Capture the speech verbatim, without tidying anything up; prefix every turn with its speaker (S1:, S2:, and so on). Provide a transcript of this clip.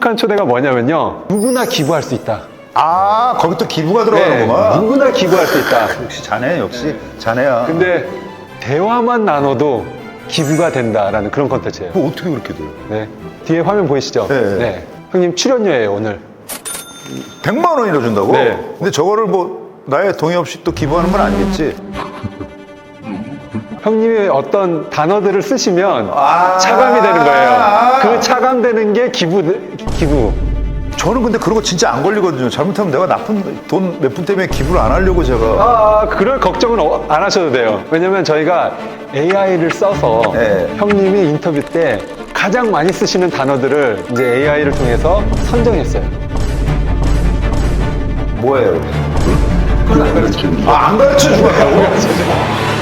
S1: 독특한 초대가 뭐냐면요. 누구나 기부할 수 있다.
S2: 아, 거기 또 기부가
S1: 네,
S2: 들어가는구만.
S1: 누구나 기부할 수 있다.
S2: 역시 자네, 역시 자네야.
S1: 근데 대화만 나눠도 기부가 된다라는 그런 컨텐츠예요.
S2: 뭐 어떻게 그렇게 돼요?
S1: 네. 뒤에 화면 보이시죠?
S2: 네.
S1: 형님 출연료예요, 오늘.
S2: 백만 원이나 준다고?
S1: 네.
S2: 근데 저거를 뭐 나의 동의 없이 또 기부하는 건 아니겠지?
S1: 형님의 어떤 단어들을 쓰시면
S2: 아
S1: 차감이 되는 거예요. 그 차감되는 게 기부, 기부.
S2: 저는 근데 그런 거 진짜 안 걸리거든요. 잘못하면 내가 나쁜 돈 몇 푼 때문에 기부를 안 하려고 제가.
S1: 아, 그럴 걱정은 어- 안 하셔도 돼요. 왜냐면 저희가 에이아이를 써서
S2: 네.
S1: 형님이 인터뷰 때 가장 많이 쓰시는 단어들을 이제 에이아이를 통해서 선정했어요.
S2: 뭐예요?
S1: 그건 안 가르쳐요.
S2: 아, 안 가르쳐 주겠다고?